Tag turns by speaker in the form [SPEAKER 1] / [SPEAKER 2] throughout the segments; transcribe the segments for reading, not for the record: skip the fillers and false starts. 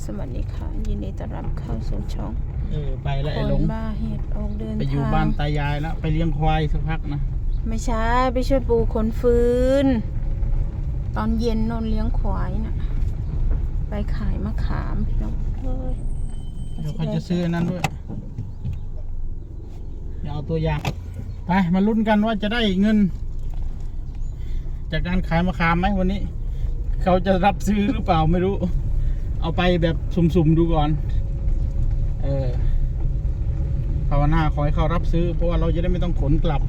[SPEAKER 1] สวัสดีค่ะยินดีต้อนรับเข้าสู่ช่อง
[SPEAKER 2] ไปแล้วไอ้หลง
[SPEAKER 1] คนบ้าเหตุออกเดินทาง
[SPEAKER 2] ไปอยู่บ้านตายายแล้วไปเลี้ยงควายสักพักนะ
[SPEAKER 1] ไม่ใช่ไปช่วยปูขนฟืนตอนเย็นนอนเลี้ยงควายน่ะไปขายมะขามพี่น้องเฮ้ย
[SPEAKER 2] เดี๋ยวเขาจะซื้อนั้นด้วยเดี๋ยวเอาตัวอย่างไปมาลุ้นกันว่าจะได้เงิน จากการขายมะขามไหมวันนี้ เขาจะรับซื้อหรือเปล่าไม่รู้เอาไปแบบสุ่มๆดูก่อนภาวนาขอให้เขารับซื้อเพราะว่าเราจะได้ไม่ต้องขนกลับ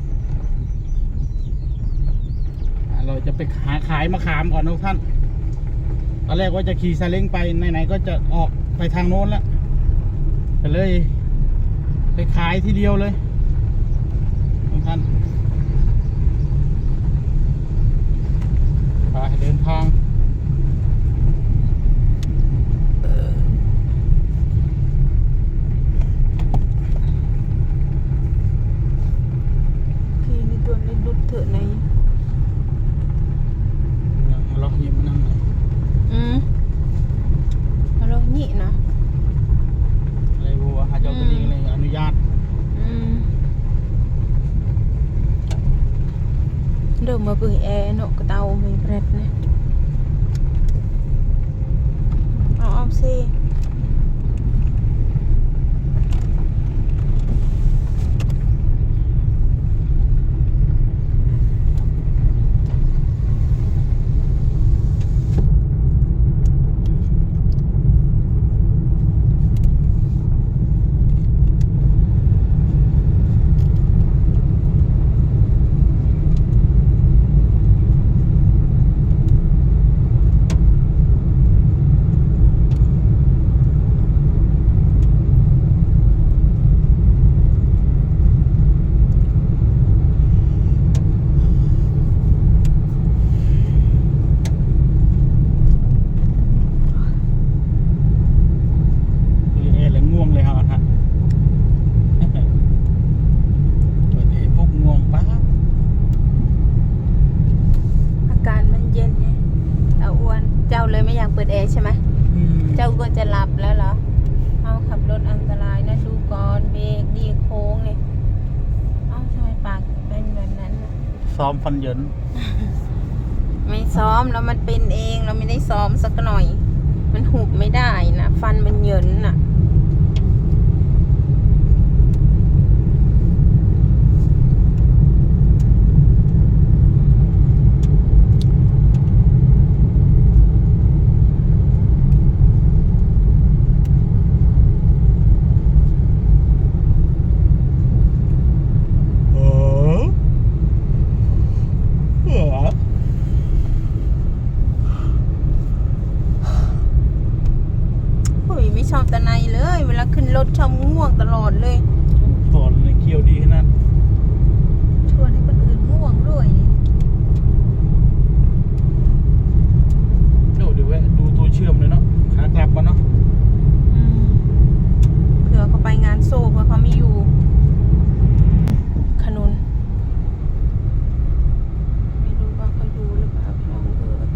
[SPEAKER 2] เราจะไปขายมะขามก่อนทุกท่านตอนแรกว่าจะขี่ซาเล้งไปไหนๆก็จะออกไปทางโน้นแล้วก็เลยไปขายทีเดียวเลยทุกท่านไปเดินทาง
[SPEAKER 1] พี่นี่ตัวนี้ดุดเถอะใน
[SPEAKER 2] ล็อกยิ้มนั่งเลย
[SPEAKER 1] มาลองนี่นะ
[SPEAKER 2] อะไรบัวหาเจ้าตัวนี้เลยอนุญาต
[SPEAKER 1] เดิมมาเปิดแอร์เนาะกระเตาไม่เปรตเนี่ยเอาสิเปิดแอร์ใช่ไหมเจ้าก็จะหลับแล้วเหรอเอาขับรถอันตรายนะดูก่อนเบรกดีโค้งเลยเอาทำไมปากเป็นแบบนั้น
[SPEAKER 2] ซ้อมฟันเหยิน
[SPEAKER 1] ไม่ซ้อมแล้วมันเป็นเองเราไม่ได้ซ้อมสักหน่อยมันหุบไม่ได้นะฟันมันเหยินน่ะไม่ชอบตะไนเลยเวลาขึ้นรถชอบง่วงตลอดเลย
[SPEAKER 2] สอนในเคี้ยวดีขนาด
[SPEAKER 1] ชวนให้คนอื่นง่วงด้วย
[SPEAKER 2] เดี๋ยวแวะดูตัวเชื่อมเลยเนาะขากลับกันเนาะ
[SPEAKER 1] เผื่อเขาไปงานโซ่เผื่อเขาไม่อยู่ขนุนไม่รู้ว่าเขาอยู่หรือเปล่าพี่น้อง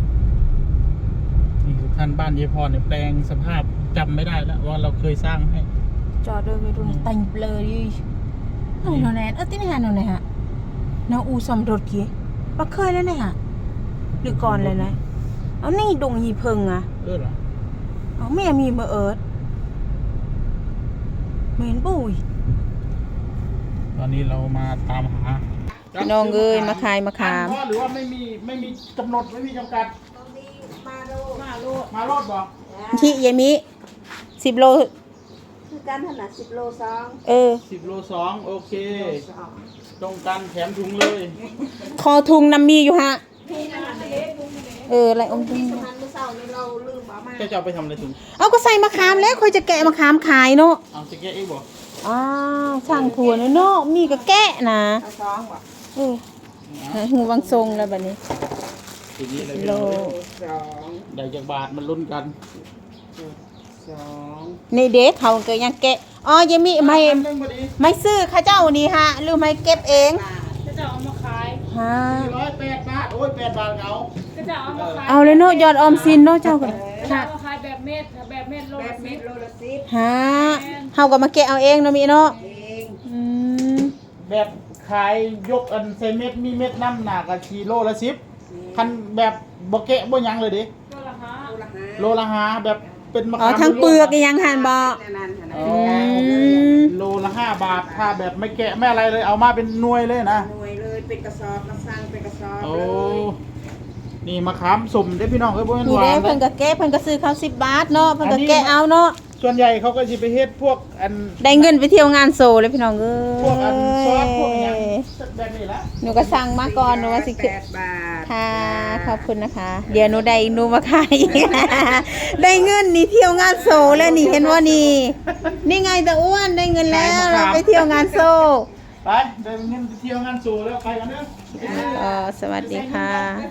[SPEAKER 2] นี่คือท่านบ้านยายพรเนี่ยแปลงสภาพจำไม่ได้แล้วว่าเราเคยสร้างให้
[SPEAKER 1] จอดด้วยไม่ดูแต่งเลยดินอนแนนที่ไหนฮะนอนไหนฮะน้าอูสมรถกี้ปะเคยแล้วเนี่ยฮะหรือก่อนเลยนะเอานี่ดงหีเพิงอ่ะ
[SPEAKER 2] เหรอ
[SPEAKER 1] เอาแม่มีมาเอิร์ดเหม็นปุ้ย
[SPEAKER 2] ตอนนี้เรามาตามหา
[SPEAKER 1] น้องเอ้ยมาขายมะขาม
[SPEAKER 2] หรือว่าไม่มีกำหนดไม่มีจำกัดมาโลดบอก
[SPEAKER 1] ที่ยามิ10 โล
[SPEAKER 3] คือการถนัด10 โล2
[SPEAKER 2] 10 โล 2โอเคตรงกันแถมถุงเลย
[SPEAKER 1] คอทุงน้ำมีอยู่ฮะอะไรอมทุง
[SPEAKER 3] สมันเมื่อเช้านี้เราลืมเอามา
[SPEAKER 2] จะเอาไปทำอะไรถุง
[SPEAKER 1] เอาก็ใส่มะขามแล้วค่อยจะแกะมะขามขายเนาะ
[SPEAKER 2] เอาจะแกะเองบอก
[SPEAKER 1] ช่างถั่วเนาะมีก็แกะนะ
[SPEAKER 3] 2บ่
[SPEAKER 1] หูวังทรงแล้วแบบนี้โล
[SPEAKER 2] ได้จากบาทมันลุ้นกัน
[SPEAKER 1] ในเด็กเขาก็ยังแกะยังมีไม่ซื้อข้าเจ้านี่ฮะหรือไม่เก็บเอง
[SPEAKER 3] ข้าเจ้าเอามาขาย
[SPEAKER 2] 408 บาทโอ้ย8 บาทเอา
[SPEAKER 3] ข้าเจ้าเอามาขาย
[SPEAKER 1] เอาเลยเนาะยอดออมสินเนาะเจ้าก็
[SPEAKER 3] ข้าเจ้าเอามาขายแบบเม็ดแบบเม็ดโล
[SPEAKER 4] แบ
[SPEAKER 3] ละ
[SPEAKER 4] บเม็ด
[SPEAKER 3] 10
[SPEAKER 4] โลละสิบ
[SPEAKER 1] ฮะเฮาก็มาแกะเอาเองเนาะมีเนาะ
[SPEAKER 4] เอง
[SPEAKER 1] อืม
[SPEAKER 2] แบบขายยกอันเซเม็ดมีเม็ดน้ำหนักกับกิโลละ10คันแบบบ่แกะบ่หยังเลยดิ
[SPEAKER 3] โลละห้า
[SPEAKER 4] โลละห้า
[SPEAKER 2] โลละ5แบบเป็นมะ
[SPEAKER 1] อ๋อ
[SPEAKER 2] ขาม
[SPEAKER 1] ทั้งเปลือก
[SPEAKER 2] ล้วนๆ
[SPEAKER 1] ยังหันบ่
[SPEAKER 4] นั่นๆ
[SPEAKER 2] อ๋อ
[SPEAKER 1] ม
[SPEAKER 2] โลละ5 บาทถ้าแบบไม่แกะไม่อะไรเลยเอามาเป็นหน่วยเลยนะ
[SPEAKER 4] หน่วยเลยเป็นกระสอบมาสั่งเป็นกระสอบ
[SPEAKER 2] โอ้
[SPEAKER 4] เลย
[SPEAKER 2] นี่มะขามสุ่มเด้อพี่น้องเอ้ยบ่แม่น
[SPEAKER 1] นี่
[SPEAKER 2] หวา
[SPEAKER 1] เด้
[SPEAKER 2] น
[SPEAKER 1] เพิ่น
[SPEAKER 2] นะ
[SPEAKER 1] ก็แกะเพิ่นก็ซื้อเขา10 บาทเนาะเพิ่นก็แกะเอาเนาะ
[SPEAKER 2] ส่วนใหญ่เขาก็สิไปเฮ็ดพวกอัน
[SPEAKER 1] ได้เงินไปเที่ยวงานโซเลยพี่น้องเอ้
[SPEAKER 2] พวกอันซอสพวกอหยัง
[SPEAKER 1] ย
[SPEAKER 2] แบบนี้ละ
[SPEAKER 1] หนูก็สั่งมาก่อนหนูว่าสิ
[SPEAKER 4] 8 บาท
[SPEAKER 1] ค่ะ ขอบคุณนะคะ เดี๋ยวหนูได้หนูมาขาย ได้เงินนี่เที่ยวงานโซแล้วนี่เห็นว่านี่ นี่ไงตาอ้วนได้เงินแล้วเราไปเที่ยวงานโซ
[SPEAKER 2] ไปเดินเงินไปเที่ยวงานสู่แล้วไปกันเด้อ
[SPEAKER 1] สวัสดีค่ะ